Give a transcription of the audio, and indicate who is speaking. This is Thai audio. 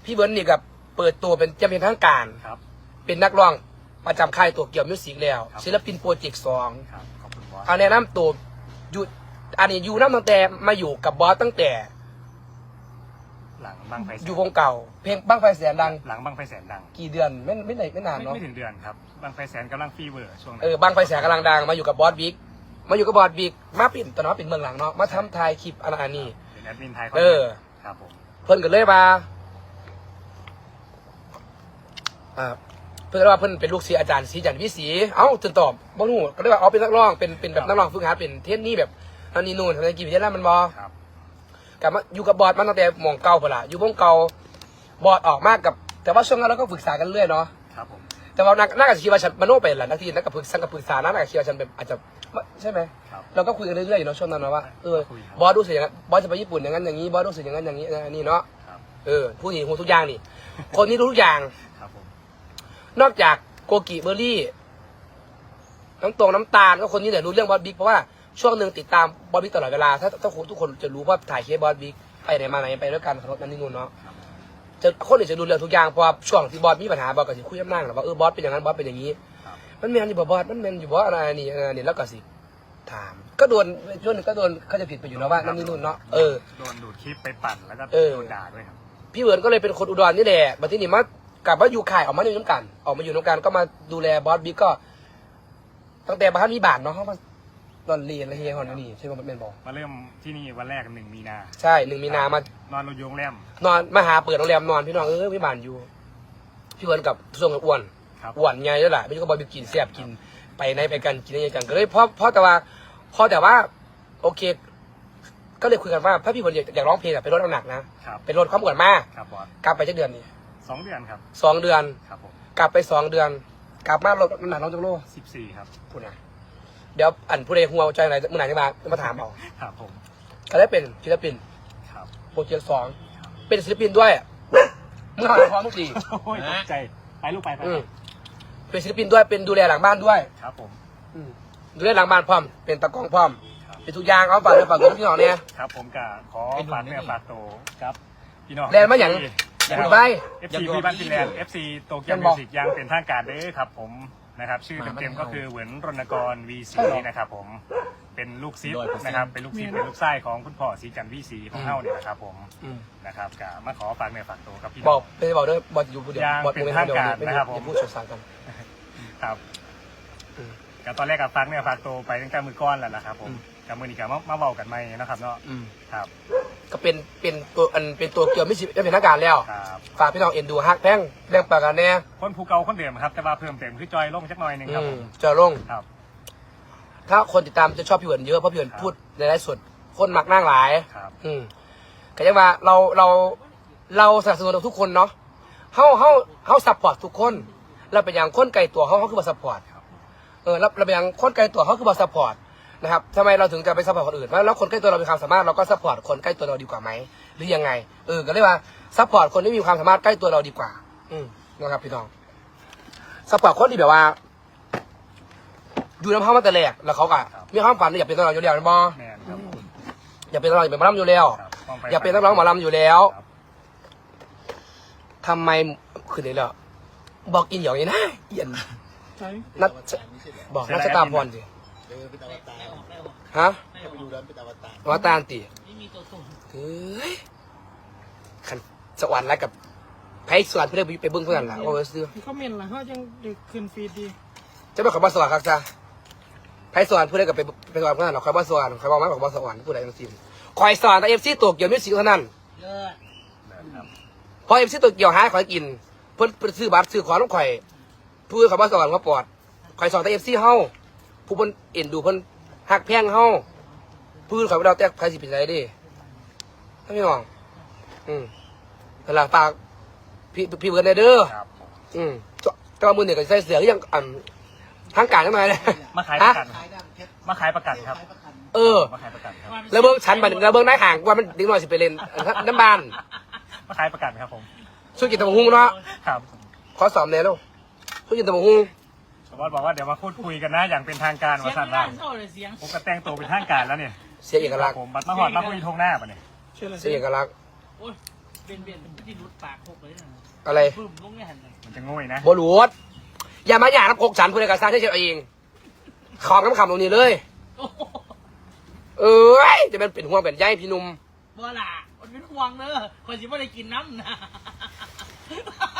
Speaker 1: พี่เบิร์นนี่กับเปิดตัวเป็นจะเป็นทางการ
Speaker 2: ครับ
Speaker 1: เป็นนักร้องประจำค่ายตัวเกี่ยวมิวสิกแล้ว
Speaker 2: ครับ
Speaker 1: ศิลปินโปรเจกต์สอง
Speaker 2: ครับขอบคุณบอส
Speaker 1: เอาแนะนำตัวอยู่อันนี้อยู่น้ำตั้งแต่มาอยู่กับบอสตั้งแต่
Speaker 2: หลังบังไฟแสน
Speaker 1: อยู่วงเก่า เพลงบ้างไฟแสนดัง
Speaker 2: หลังบังไฟแสนดัง
Speaker 1: กี่เดือนไม่นานเนาะ
Speaker 2: ไม่ถึงเดือนครับบังไฟแสนกำลังฟีเวอร์ช่วงนั้น
Speaker 1: บ้างไฟแสนกำลังดังมาอยู่กับบอสบิ๊กมาอยู่กับบอสบิ๊กมาปิ่นตอนนั้นเป็นเมืองหลังเนาะมาทำถ่ายคลิปอันนี้
Speaker 2: เป็นแอดมินไทย ครับผม
Speaker 1: เพิ่นก็เลยมาเพิ่นก็ว่าเพิ่นเป็นลูกศิษย์อาจารย์ศรีจันทร์วิศรีเอ้าจนตอบบ่รู้ก็เลยว่าเป็นนักร้องเป็นแบบนักร้องฝึกหัดเป็นเทศนี่แบบอันนี้นู่นทำกี่ปีแล้วมันบ่
Speaker 2: ครับ
Speaker 1: กลับมาอยู่กับบอสมาตั้งแต่หม่องเก่าพุ่นล่ะอยู่วงเก่าบอสออกมากกับแต่ว่าช่วงนั้นเราก็ฝึกษากันเรื่อยเนาะ
Speaker 2: ครับผม
Speaker 1: แต่ว่านักอาชีวะฉันมโนไปหลายนาทีนักกับปรึกษานักอาชีวะฉันแบบอาจจะใช่ไหม
Speaker 2: ครับ
Speaker 1: เราก็คุยกันเรื่อยๆอยู่เนาะช่วงนั้นเนาะว่า
Speaker 2: คุยครับ
Speaker 1: บอสรู้สึกอย่างนั้นบอสจะไปญี่ปุ่นอย่างนั้นอย่างนี้บอสรู้สึกอย่างนั้นอย่างนี้นี่เนาะ
Speaker 2: ครับ
Speaker 1: ผู้นี้รู้ทุกอย่างนี่ คนนี้รู้ทุกอย่าง
Speaker 2: ครับผม
Speaker 1: นอกจากโกกิเบอร์รี่น้ำตาลก็คนนี้แหละรู้เรื่องบอสบิ๊กเพราะว่าช่วงหนึ่งติดตามบอสบิ๊กตลอดเวลาถ้าทุกคนจะรู้ว่าถ่ายเคสบอสบิ๊กไปไหนมาไหนไปด้วยกันขับรถนั่นนี่นู่นเนาะจะคนอื่นจะรู้เรื่องทุกอย่างเพราะว่าช่วงที่บอสมีปัญหาบอสก็จะคุยกับนั่งหรอว่าบอสเป็นอย่างนั้นบอสเป็นอย่างนี้
Speaker 2: ครับ
Speaker 1: มันแมนอยู่บ่บอสมันแมนอยู่บ่อะไรนี่แล้วก็สิถามก็โดนช่วงหนึงก็โดนเขาจะผิดไปอยู่นะว่านั่นนี่นู่นเนาะ
Speaker 2: โดนดูดคลิปไปปั่นแล้วก็
Speaker 1: เออ
Speaker 2: โดนด่าด้วยครับ
Speaker 1: พี่เวิร์นก็เลยเป็นคนอุดรนี่แหละมาที่นี่มากลับมาอยู่ค่ายออกมาอยู่น้ำกันออกมาอยู่น้ำกันก็มาดูแลบอสบิ๊กก็ ตั้งแต่บ้านมีบาทเนาะเขามาตอนเรียนอะไรเฮียฮอนนี่ใช่ไหมแมนบอก
Speaker 2: มาเริ่มที่นี่วันแรก1 มีนา
Speaker 1: ใช่1 มีนามาน
Speaker 2: อนโรงโรงแรม
Speaker 1: นอนมาหาเปิดโรงแรมนอนพี่น้องพี่บานอยู่พี่เวิร์นกับส่วงกับอ้วน
Speaker 2: ครับ
Speaker 1: อ้วนไงแล้วแหละไม่ใช่ก็บอสบิ๊กกินแซ่บกินไปไหนไปกันกินอะไรกันก็เลยเพราะแต่ว่าโอเค ก็เลยคุยกันว่าถ้าพี่เวิร์นอยากร้องเพลงอะไปลดน้ำหนักนะครับ ไปลดความอ้วนมาก
Speaker 2: ครับบอส
Speaker 1: กลับไปจักเดือนนี่
Speaker 2: 2 เดือนครับ
Speaker 1: 2 เดือน
Speaker 2: ครับผม
Speaker 1: กลับไป2 เดือน กลับมาลดน้ำหนักลงจากโล
Speaker 2: 14ครับ
Speaker 1: พูดนะเดี๋ยวผู้ใดหัวใจไหนเมื่อไหร่จะมาถามเอา
Speaker 2: ครับผม
Speaker 1: ก็ได้เป็นศิลปิน
Speaker 2: ครับ
Speaker 1: โปรเจกต์2เป็นศิลปินด้วยมึงหาพร้อมทุกที
Speaker 2: โอ้ยตกใจไปลูกไป
Speaker 1: เป็นศิลปินด้วยเป็นดูแลหลังบ้านด้วย
Speaker 2: ครับผม
Speaker 1: ดูแลหลังบ้านพร้อมเป็นตะกล้องพร้อม
Speaker 2: ครับ
Speaker 1: เป็นทุกอย่างเอาฝากด้วยฝากตัวพี่น้องเนี่ย
Speaker 2: ครับผมก็ขอฝากเนื้อฝากตัวครับพี่น้อง
Speaker 1: แลนด์มาอย่าง คุณไป
Speaker 2: FC พี่บ้านฟินแลนด์ FC โตเกียวมิวสิกยังเป็นทางการเด้อครับผมนะครับชื่อเต็มๆก็คือเหวินรณกร V4 นะครับผมเป็นลูกซิปนะครับเป็นลูกซิปเป็นลูกไส้ของคุณพ่อศรีจันทร์ V4 ของเฮาเนี่ยนะครับผมนะครับก็มาขอฝากเนื้อฝากตัวกับพี่
Speaker 1: บ
Speaker 2: น้
Speaker 1: อ
Speaker 2: อก ง
Speaker 1: เป็นบอกด้วยบอกอยู่ผู้เดียว
Speaker 2: ยัง
Speaker 1: บอก
Speaker 2: เป็นทางการนะครับผม
Speaker 1: พูดสดสารกัน
Speaker 2: ครับ
Speaker 1: อืม
Speaker 2: ก็ตอนแรกกับฝากเนื้อฝากตัวไปตั้งแต่มือก้อนแล้วนะครับผมกับมือนี้ก็มาเบากันไหมนะครับเนาะครับ
Speaker 1: ก็เป็นตัวเกี่ยวไม่ใช่เป็นทางการแล้ว
Speaker 2: ครับ
Speaker 1: ฝากพี่น้องเอ็นดูฮักแพงแรงปากกันแน่
Speaker 2: คนภูเก่าคนเดิมครับแต่ว่าเพิ่มเติมคือจอยลงจักหน่อยหนึงครับผม
Speaker 1: เจอลง
Speaker 2: ครับ
Speaker 1: ถ้าคนติดตามจะชอบพี่เหินเยอะเพราะพี่เหินพูดในไลฟ์สดคนมักนั่งหลาย
Speaker 2: ครับ
Speaker 1: ก็ยังว่าเราสนับสนุนทุกคนเนาะเขาซัพพอร์ตทุกคนเราเป็นอย่างคนไกลตัวเขาคือมาซัพพอร์ตเราเป็นอย่างคนไกลตัวเขาคือมาซัพพอร์ตนะครับทำไมเราถึงจะไปซัพพอร์ตคนอื่นแล้วคนใกล้ตัวเรามีความสามารถเราก็ซัพพอร์ตคนใกล้ตัวเราดีกว่าไหมหรือยังไงก็เรียกว่าซัพพอร์ตคนที่มีความสามารถใกล้ตัวเราดีกว่านะครับพี่น้องซัพพอร์ตคนที่แบบว่าอยู่น้ำเขามาแต่แรกแล้วเขาก็มีความฝันอยากเป็นนักร้องอยู่แล้วนะบอ
Speaker 2: แมนครับ
Speaker 1: อยากเป็นนักร้องอยากเป็นหมอลำอยู่แล้ว
Speaker 2: ครับต้อง
Speaker 1: อยากเป็นนักร้องหมอลำอยู่แล้ว
Speaker 2: ครับ
Speaker 1: ทำไมคืนนี้แล้วบอกอินอย่างนี้นะเอียนนัดบอกนัดชะตาพรสิ
Speaker 3: เป็นอวตาร
Speaker 1: ฮะ
Speaker 3: ถ้าไปดูแล้วเป็นอวตาร
Speaker 1: ว่าตาลตีเฮ้ยขันสวรรค์แล้วกับไพ่สวรรค์เพื่อนไปเบิ้งเพื่อนล่ะว่าซื้อ
Speaker 4: เขาเมนล่ะเขายังดึกขึ้นฟีดดี
Speaker 1: จะไม่ขอมาสวรรค์ครับจ้าไพ่สวรรค์เพื่อนกับไปสวรรค์เพื่อนหรอกคอยมาสวรรค์คอยบอกไม่บอกมาสวรรค์ผู้ใดทั้งสิ้นคอยสอนแต่เอฟซีตัวเกี่ยวมิวสิกเท่านั้น
Speaker 2: ครับ
Speaker 1: พอเอฟซีตัวเกี่ยวหาขอยกินเพิ่นซื้อบัตรซื้อของต้องข่อยผู้อื่นเขามาสอนเขาปลอดข่อยสอนแต่เอฟซีเฮาผู้เพิ่นเอ็นดูเพิ่นหักแพงเฮาผู้อื่นเขาไม่ได้แต่ใครสิเป็นไรดิถ้าไม่มองแต่ละฝากพี่เบิร์ดเด้อ
Speaker 2: ครับผม
Speaker 1: แต่ว่ามือเนี่ยก็ใส่เสือก็ยังทางการทำไมเลย
Speaker 2: มาขายประกัน
Speaker 3: ขายดำเพชร
Speaker 2: มาขายประกันครับ
Speaker 3: ขายประกัน
Speaker 2: มาขายประกันครับ
Speaker 1: แล้วเบิ้งชั้นบันแล้วเบิ้งนายห่างว่ามันดิ้งหน่อยสิไปเล่นน้ำบาน
Speaker 2: มาขายประกันครับผม
Speaker 1: ช่วยกินตะมงหุ้งเนาะ
Speaker 2: ครับ
Speaker 1: ขอสอบแน่ลูกช่วยกินตะมงหุ้ง
Speaker 2: ชาวบ้านบอกว่าเดี๋ยวมาพูดคุยกันนะอย่างเป็นทางการ
Speaker 4: เสีย
Speaker 2: ว่าง สั่น
Speaker 4: ร่า
Speaker 2: ว่าง
Speaker 4: เข้าเลยเสียง
Speaker 2: ผมก็แต่งตัวเป็นทางการแล้วเนี่ย
Speaker 1: เสียเอกลักษณ์
Speaker 2: ผมบัตรมาหอดมาคุยทงหน้าปะเนี่ย
Speaker 4: เชื่อเลย
Speaker 1: เสียเอกลักษณ์
Speaker 4: โอ้ย
Speaker 5: เบียนมันที่รุดปากหกเลยนะ
Speaker 1: อะไร
Speaker 5: บึ้มลงเนี่ยหันเลย
Speaker 2: มันจะง่อยนะ
Speaker 1: บรูดอย่ามาหยาบกกฉันพูดในกระซ่าใช่เฉยเองขอคำตรงนี้เลย
Speaker 5: โอ้โห
Speaker 1: เอ้ยจะเป็นห่วงเป็นใยพี่หนุ่ม
Speaker 5: บ่ล่ะมันเป็นห่วงเนอะคนที่ไม่ได้กินน้ำนะ